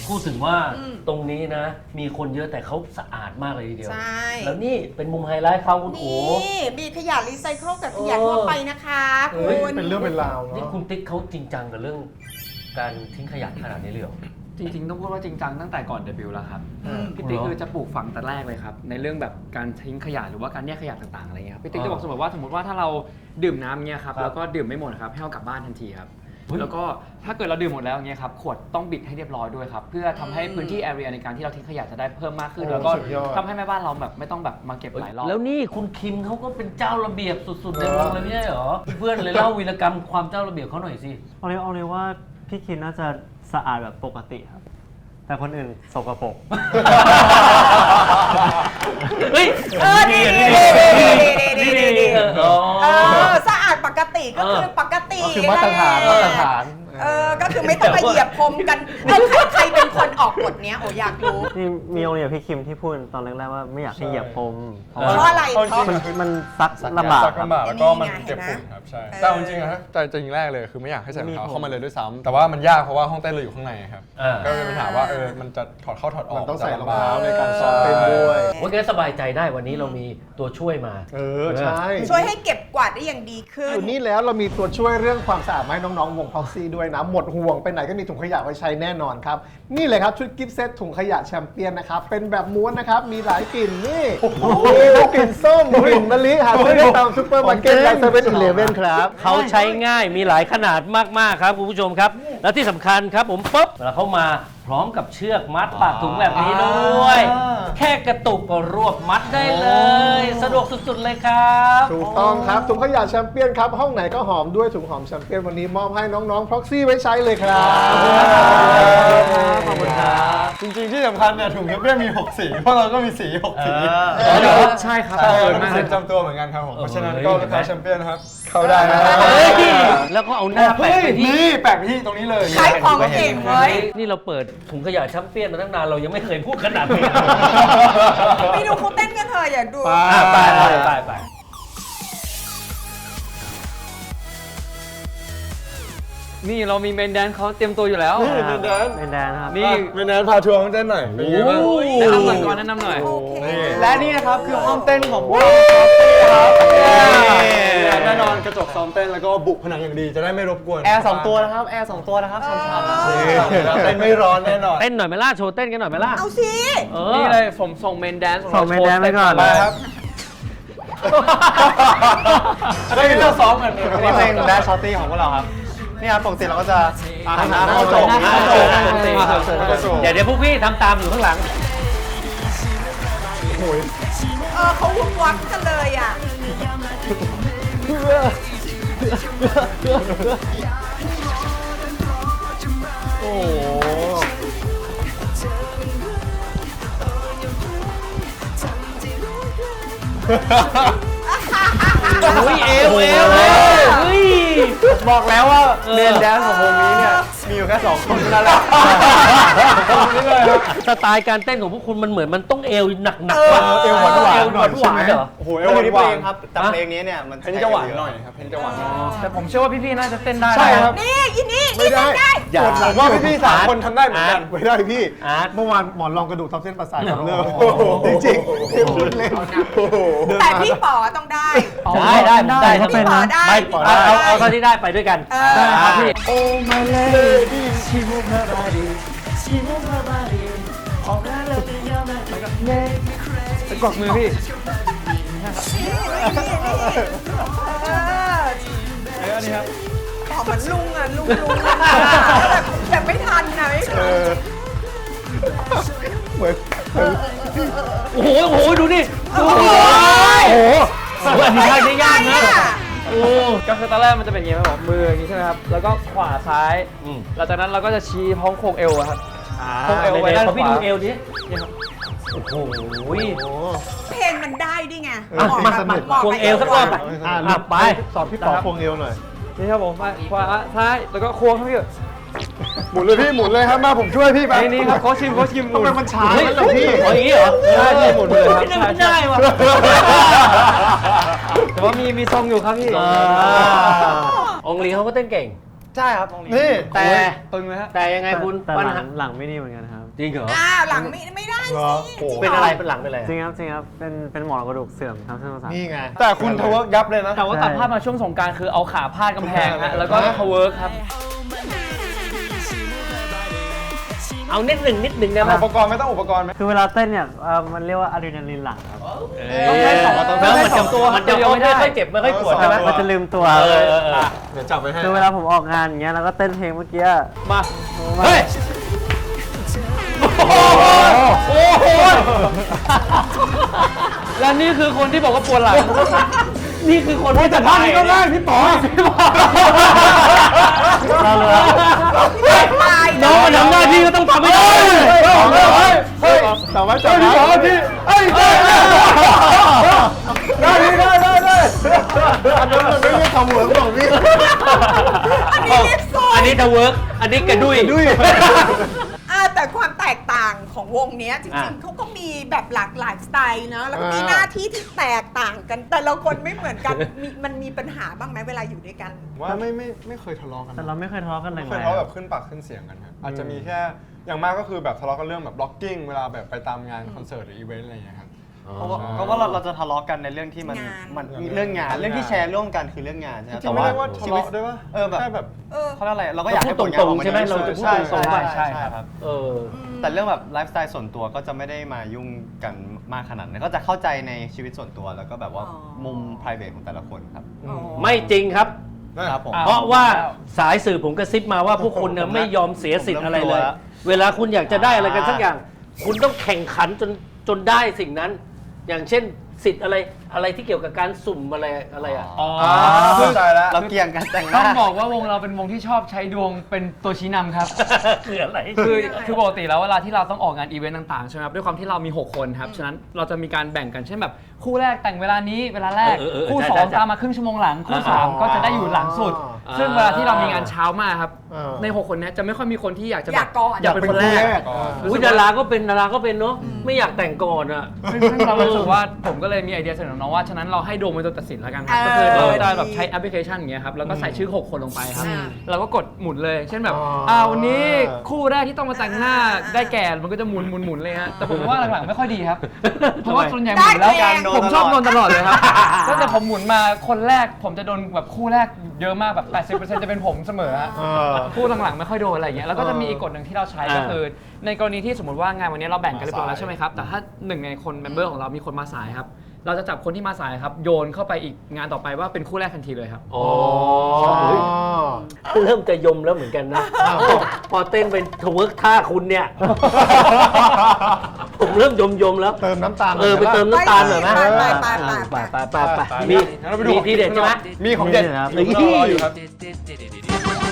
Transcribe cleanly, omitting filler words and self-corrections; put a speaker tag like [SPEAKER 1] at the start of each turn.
[SPEAKER 1] พูดถึงว่าตรงนี้นะ มีคนเยอะแต่เขาสะอาดมากเลยทีเดียว
[SPEAKER 2] ใช่
[SPEAKER 1] แล้วนี่เป็นมุมไฮไลท์เขาคุณโอ๋
[SPEAKER 2] นี่มีขยะรีไซเคิลกับขยะทั่วไปนะคะคุณ
[SPEAKER 3] เป็นเรื่องเป็นราวเนาะ
[SPEAKER 1] นี่คุณติ๊กเขาจริงจังกับเรื่องการทิ้งขยะขนาดนี้เลยเหรอ
[SPEAKER 4] จริงๆต้องพูดว่าจริงจังตั้งแต่ก่อนเดบิวต์แล้วครับพี่ติ๊กคือจะปลูกฝังแต่แรกเลยครับในเรื่องแบบการทิ้งขยะหรือว่าการแยกขยะต่างๆอะไรเงี้ยพี่ติ๊กจะบอกเสมอว่าสมมติว่าถ้าเราดื่มน้ำเงี้ยครับแล้วก็ดื่มไม่หมดครับให้เอากลับบ้านทันทีครับแล้วก็ถ้าเกิดเราดื่มหมดแล้วเงี้ยครับขวดต้องบิดให้เรียบร้อยด้วยครับเพื่อทำให้พื้นที่แอเรียในการที่เราทิ้งขยะจะได้เพิ่มมากขึ้นแล้วก็ทำให้แม่บ้านเราแบบไม่ต้องแบบมาเก็บหลายรอบ
[SPEAKER 1] แล้วนี่คุณคิมเขาก็เป็นเจ้าระเบียบสุดๆในวงเลยไม่ใช่เหรอเพื่อนเลยเล่าวีรกรรมความเจ้าระเบียบเขาหน่อยสิ
[SPEAKER 5] เอาเลยว่าพี่คิมน่าจะสะอาดแบบปกติครับแต่คนอื่นสกปรก
[SPEAKER 1] เฮ้ย
[SPEAKER 2] ดีสะอาดปกติก็คือปกติ
[SPEAKER 3] คือมาตรฐาน
[SPEAKER 2] ก็คือไม่ต้องมาเหยียบพรมกันใครเป็นคนออกกฎเนี้ยโอ้อยากรู้
[SPEAKER 5] นี่มีโรงเรียนพี่คิมที่พูดตอนแรกๆว่าไม่อยากให้เหยียบพรม
[SPEAKER 2] เพราะอะไรเพราะ
[SPEAKER 5] มันซักลำบาก
[SPEAKER 3] แล้วก็มันเจ็บฝุ่นครับใช่แต่จริงๆนะใจจริงแรกเลยคือไม่อยากให้ใส่รองเท้าเข้ามาเลยด้วยซ้ำแต่ว่ามันยากเพราะว่าห้องเต้นเราอยู่ข้างในครับก็เลยปัญหาว่ามันจะถอดเข้าถอดออกมันต้องใส่รองเท้าในการซ้อมเต้นด้วย
[SPEAKER 1] โอเคสบายใจได้วันนี้เรามีตัวช่วยมา
[SPEAKER 3] ใช่
[SPEAKER 2] ช่วยให้เก็บกวาดได้อย่างดีขึ้น
[SPEAKER 3] อยู่นี่แล้วเรามีตัวช่วยเรื่องความสะอาดให้น้องๆวงพ็อกซี่ด้วยนะหมดห่วงไปไหนก็มีถุงขยะไว้ใช้แน่นอนครับนี่เลยครับชุดกิฟต์เซตถุงขยะแชมเปี้ยนนะครับเป็นแบบม้วนนะครับมีหลายกลิ่นนี่มีทั้งกลิ่นส้มกลิ่นมะลิหาซื้อได้ตามซุปเปอร์มาร์เก็ตและเซเว่นอีเลฟเว่นครับ
[SPEAKER 1] เขาใช้ง่ายมีหลายขนาดมากๆครับคุณผู้ชมครับและที่สำคัญครับผมปุ๊บเวลาเข้ามาพร้อมกับเชือกมัดปากถุงแบบนี้ด้วยแค่กระตุกก็รวบมัดได้เลยสะดวกสุดๆเลยครับ
[SPEAKER 3] ถูกต้องครับถุงขยะแชมเปี้ยนครับห้องไหนก็หอมด้วยถุงหอมแชมเปี้ยนวันนี้มอบให้น้องๆพ็อกซี่ไว้ใช้เลยครับ
[SPEAKER 1] ขอบคุณครับ
[SPEAKER 3] จริงๆที่สำคัญเนี่ยถุงแชมเปี้ยนมี6สีเพราะเราก็มีสี6สี
[SPEAKER 4] ใช่ครับ
[SPEAKER 3] เป็นสีประจำตัวเหมือนกันครับผมเพราะฉะนั้นก็ลูกค้าแชมเปี้ยนนะครับเข้าได้นะ
[SPEAKER 1] แล้วก็เอาหน้าแปะไปที่
[SPEAKER 3] นี่แปะไปที่ตรงนี้เลย
[SPEAKER 2] ขายของเก่งเว้ย
[SPEAKER 1] นี่เราเปิดถุงขยะแชมเปี้ยนมาตั้งนานเรายังไม่เคยพูดขนาดนี้
[SPEAKER 2] ไปดูเขาเต้นกันเถอะอย่าดู
[SPEAKER 1] ไป
[SPEAKER 4] นี่เรามีเมนแดนเขาเตรียมตัวอยู่แล้ว
[SPEAKER 3] เมนแด
[SPEAKER 5] นครับ
[SPEAKER 3] นี่เมนแดนพาทัวร์ห้องเต้นหน่อยเป็นไงบ้าง
[SPEAKER 4] แนะนำหน่อยก่อนแนะนำหน่อย
[SPEAKER 3] และนี่นะครับคือห้องเต้นของพวกเราครับแน่นอนกระจกซ้อมเต้นแล้วก็บุกผนังอย่างดีจะได้ไม่รบกวน
[SPEAKER 5] แอร์2ตัวนะครับแอร์2ตัวนะครับช้ำ
[SPEAKER 3] ๆเต้นไม่ร้อนแน่นอน
[SPEAKER 1] เต้นหน่อยไหมล่ะโชว์เต้นกันหน่อยไหมล่ะ
[SPEAKER 2] เอาสิ
[SPEAKER 4] นี่เลยผมส่งเมนแดน
[SPEAKER 5] ไปก่อน
[SPEAKER 3] ไปครับได้เราซ้อมกัน
[SPEAKER 5] นี่เพลงแดนชอตตี้ของพวกเราครับนี่ครับปกติเราก็จะ
[SPEAKER 3] หันหน้าเข้าโจ
[SPEAKER 1] เดี๋ยวพวกพี่ทำตามอยู่ข้างหลัง
[SPEAKER 2] เขาวุ่นวักกันเลยอ่ะ
[SPEAKER 3] โอ้
[SPEAKER 1] เอว
[SPEAKER 5] บอกแล้วว่าเมนแดนของวงนี้เนี่ยมีอยู่แค่2คนนั่นแหละ
[SPEAKER 1] สไตล์การเต้นของพวกคุณมันเหมือนมันต้องเอวหนัก
[SPEAKER 3] เอวหวาน
[SPEAKER 1] เหรอ
[SPEAKER 3] โอ้โหเอวหวาน
[SPEAKER 5] ครับแต่เพลงนี้เนี่ยมัน
[SPEAKER 3] เพลงจะหวานหน่อยครับเพลงจะหวาน
[SPEAKER 4] แต่ผมเชื่อว่าพี่ๆน่าจะเต้นได้
[SPEAKER 3] ใช่ครับ
[SPEAKER 2] นี่ยินดี
[SPEAKER 3] ไม่ได้ผมว่าพี่ๆ3คนทำได้เหมือนกันไม่ได้พี่เมื่อวานหมอนรองกระดูกทับเส้นประสาทกับเลิกจริงๆเล่น
[SPEAKER 2] แต่พี่ป๋อต้องได้
[SPEAKER 1] ได้ถ้าเป็นเอาเท่าที่ได้ไปด้วยกัน
[SPEAKER 4] ได้ครับพี่
[SPEAKER 5] โอ้มาเลยชิมุคาบารีชิมุคาบารีออกมาเลยยอมมา
[SPEAKER 4] จะกดมือพี่
[SPEAKER 2] อันนี้ครับป๋อเหมือนลุงอ่ะลุงแบบไม่ทันนะ
[SPEAKER 3] เหมือน
[SPEAKER 1] โอ้โหดูนี่โอ้โหอันนี้ท่าได้ยากนะ
[SPEAKER 4] ก็คือตอนแรกมันจะเป็นอย่างนี้ครับมืออย่างนี้ใช่ไหมครับแล้วก็ขวาซ้ายหลังจากนั้นเราก็จะชี้พ้องโคงเอวครับโคงเอวไว้ด้านขวา
[SPEAKER 1] พี่ดูเอวดินี่ครับโอ้โห
[SPEAKER 2] เพลงมันได้ดิไง
[SPEAKER 1] ควงเอวสักรอบไป
[SPEAKER 3] สอนพี่ป๋อควงเอวหน่อย
[SPEAKER 4] นี่ครับผมขวาซ้ายแล้วก็ควงครับพี่
[SPEAKER 3] หมุนเลยพี่หมุนเลยครับมาผมช่วยพี่ไป
[SPEAKER 4] นี่ครับโค้ชชิม
[SPEAKER 3] ทำไมมันช้าแล้วล่ะพี่
[SPEAKER 1] อย่างนี้เหรอ
[SPEAKER 4] ใช่หมุนเลยครับ
[SPEAKER 1] ไม่ได้ว่ะ
[SPEAKER 4] แต่ว่ามีทรงอยู่ครับพี่
[SPEAKER 1] องลีเขาก็เต้นเก่ง
[SPEAKER 5] ใช่ครับตรงนี้
[SPEAKER 3] นี่
[SPEAKER 1] แต่
[SPEAKER 4] ตึงเลยฮะ
[SPEAKER 1] แต่ยังไงคุณ
[SPEAKER 6] แต่
[SPEAKER 1] ปัญ
[SPEAKER 6] หลั
[SPEAKER 1] หาง
[SPEAKER 6] หลังไม่ดีเหมือนกันครับ
[SPEAKER 1] จริงเหรอ
[SPEAKER 2] หลังไม่ได้
[SPEAKER 3] เหรอ
[SPEAKER 2] สิจริง
[SPEAKER 1] เป็น
[SPEAKER 2] ห
[SPEAKER 1] อะไรเป็นหลังเป็นอะไร
[SPEAKER 6] จริงครับจริงครับเป็นหมอนกระดูกเสื่อมทับเส้นประสาท
[SPEAKER 3] นี่ไง
[SPEAKER 5] แต่คุณทะเวิร์กยับเลยนะ
[SPEAKER 4] แต่ว่าตัดภาพมาช่วงสงกรารคือเอาขาพาดกำแพงฮะแล้วก็ทเวิร์กครับ
[SPEAKER 1] เอานิดหนึ่งได้ไหม
[SPEAKER 5] อุปกรณ์ไม่ต้องอุปกรณ์ไหม
[SPEAKER 6] คือเวลาเต้นเนี่ยมันเรียกว่าอะดรีนาลีนหลั่งครับ
[SPEAKER 4] ต้องใช้สองตัว
[SPEAKER 1] แล้วมันจะ
[SPEAKER 4] ตัว
[SPEAKER 1] มันจะ
[SPEAKER 4] เดียวไม่ได้
[SPEAKER 1] ไม่ค่อยเจ็บไม่ค่อยปวดใช่ไหม
[SPEAKER 6] มันจะลืมตัว
[SPEAKER 1] เออ
[SPEAKER 3] เดี๋ยวจับไปให้
[SPEAKER 6] คือเวลาผมออกงานอย่างเงี้ยแล้วก็เต้นเพลงเมื่อกี้
[SPEAKER 1] มาเฮ้ยโอ้โห
[SPEAKER 4] และนี่คือคนที่บอกว่าปวดหลัง
[SPEAKER 1] นี่คือคนที่จะ
[SPEAKER 3] ท่านี้ก็ได้พี่ป๋อ
[SPEAKER 6] เราเลย
[SPEAKER 2] ตาย
[SPEAKER 1] น้องมันทำหน้าที่ก็ต้องทำให้ได้
[SPEAKER 3] แต่ว่าจับพี่ป๋อพี่อันนั้นมันไม่ใช่ทำเหมือนของพี่
[SPEAKER 1] อันนี้ทะเวิร์กอันนี้กระดุย
[SPEAKER 2] แต่ความแตกต่างของวงเนี้ยจริ
[SPEAKER 1] อ่ะ
[SPEAKER 2] งๆเขาก็มีแบบหลากหลายสไตล์เนอะแล้วก็มี
[SPEAKER 3] อ่า
[SPEAKER 2] หน้าที่ที่แตกต่างกัน แต่ละคนไม่เหมือนกันมันมีปัญหาบ้างไหมเวลาอยู่ด้วยกัน
[SPEAKER 5] ว่าไม่เคยทะเลาะกัน
[SPEAKER 6] แต่เราไม่เคยทะเลาะกันแร
[SPEAKER 5] ไม่
[SPEAKER 6] ง
[SPEAKER 5] เคยทะเลาะแบบขึ้นปากขึ้นเสียงกันครับอาจจะมีแค่อย่างมากก็คือแบบทะเลาะกันเรื่องแบบบล็อกกิ้งเวลาแบบไปตามงานคอนเสิร์ตหรืออีเวนต์อะไรอย่างเงี้ยครับ
[SPEAKER 7] เพราะว่าเราจะทะเลาะกันในเรื่องที่มัน
[SPEAKER 2] งาน
[SPEAKER 7] มันเรื่องงานเรื่องที่แชร์ร่วมกันคือเรื่องงานใช่ไหม
[SPEAKER 5] จริงๆไม่ได้ว่าทะเลาะด้วยว่า
[SPEAKER 7] แบบ
[SPEAKER 5] แค่แบบ
[SPEAKER 7] เขาเรียกอะไรเราก็อยากให้ผลงาน
[SPEAKER 1] ต
[SPEAKER 7] อ
[SPEAKER 1] ร
[SPEAKER 7] อง ก
[SPEAKER 1] ๆ
[SPEAKER 7] มา
[SPEAKER 1] ใช่ไหม
[SPEAKER 7] ดี
[SPEAKER 1] เราจะพูด
[SPEAKER 7] ใช่
[SPEAKER 1] ตรงๆไป
[SPEAKER 7] ใช่ครับ
[SPEAKER 1] เออ
[SPEAKER 7] แต่เรื่องแบบไลฟ์สไตล์ส่วนตัวก็จะไม่ได้มายุ่งกันมากขนาดนั้นก็จะเข้าใจในชีวิตส่วนตัวแล้วก็แบบว่า
[SPEAKER 2] อ๋อ
[SPEAKER 7] มุม private ของแต่ละคนครับ
[SPEAKER 1] ไม่จริงครับ
[SPEAKER 7] ครับผม
[SPEAKER 1] เพราะว่าสายสื่อผมกระซิบมาว่าพวกคุณเนี่ยไม่ยอมเสียสิทธิ์อะไรเลย เวลาคุณอยากจะได้อะไรกันสักอย่าง คุณต้องแข่งขันจนได้สิ่งนั้น อย่างเช่นสิทธิ์อะไรที่เกี่ยวกับการสุ่มอะไรอ่ะ
[SPEAKER 4] อ๋อ
[SPEAKER 5] เข้าใจแล้ว
[SPEAKER 7] เราเกี่ยงกันแต่งห
[SPEAKER 4] ต้อ
[SPEAKER 7] น้า
[SPEAKER 4] งบอกว่าวงเราเป็นวงที่ชอบใช้ดวงเป็นตัวชี้นำครับ
[SPEAKER 1] คืออะไร
[SPEAKER 4] คือปกติแล้วเวลาที่เราต้องออกงานอีเวนต์ต่างๆใช่ไหมครับด้วยความที่เรามี 6 คนครับฉะนั้นเราจะมีการแบ่งกันเช่นแบบคู่แรกแต่งเวลานี้เวลาแรก คู่
[SPEAKER 1] ใช่
[SPEAKER 4] 2 ตามมาครึ่งชั่วโมงหลัง คู่ 3 ก็จะได้อยู่หลังสุด ซึ่งเวลาที่เรามีงานเช้ามากครับใน 6 คนเนี้ยจะไม่ค่อยมีคนที่อยากจะแบบ
[SPEAKER 2] อยากก่อน
[SPEAKER 4] อยากเป็นคนแรก
[SPEAKER 1] อุ้ยดาราก็เป็นเนาะไม่อยากแต่งก่อนอ่ะ
[SPEAKER 4] ซึ่งเรารู้สึกว่าผมก็เลยมีไอเดียเสนอน้องว่าฉะนั้นเราให้โดมเป็นตัวตัดสินแล้วกันครับ
[SPEAKER 2] เออ
[SPEAKER 4] ก็คือเราจะ
[SPEAKER 2] ดี
[SPEAKER 4] แบบใช้แอปพลิเคชันอย่างเงี้ยครับแล้วก็ใส่ชื่อ 6 คนลงไปครับ
[SPEAKER 2] อ่า
[SPEAKER 4] เราก็กดหมุนเลย เช่นแบบวันนี้คู่แรกที่ต้องมาแต่งหน้าได้แก่มันก็จะหมุนเลยฮะแต่ผมว่าหลังๆไม่ค่อยดีครับเพราะว่าส่วนใหญ่หมุนแล้ว
[SPEAKER 2] ได้แรง
[SPEAKER 4] ผมชอบโดนตลอดเลยครับตั้งแต่ผมหมุนมาคนแรกผมจะโดนแบบคู่แรกเยอะมากแบบ 80% จะเป็นผมเสมอฮะ คู่หลังๆไม่ค่อยโดนอะไรอย่างเงี้ยแล้วก็จะมีอีกกฎหนึ่งที่เราใช้ก็คือ ในกรณีที่สมมติว่างานวันนี้เราแบ่งกันเรียบร้อยแล้วใช่ไหมครับแต่ถ้าหนึ่งในคนเมมเบอร์ของเรามีคนมาสายครับเราจะจับคนที่มาสายครับโยนเข้าไปอีกงานต่อไปว่าเป็นคู่แรกทันทีเลยครับ
[SPEAKER 1] อ๋อเริ่มจะยมแล้วเหมือนกันนะ พอเต้นเป็นทเวิร์กท่าคุณเนี่ย ผมเริ่มยมแล้ว
[SPEAKER 3] เติมน้ำตาล
[SPEAKER 1] ไปเติมน้ำตาลหน่อยไหม
[SPEAKER 2] ไป
[SPEAKER 1] มีทีเด็ดใช่ไหม
[SPEAKER 5] มีของเด็ด
[SPEAKER 6] ครับ
[SPEAKER 5] อยู่ข้างนอกรออยู่ครับ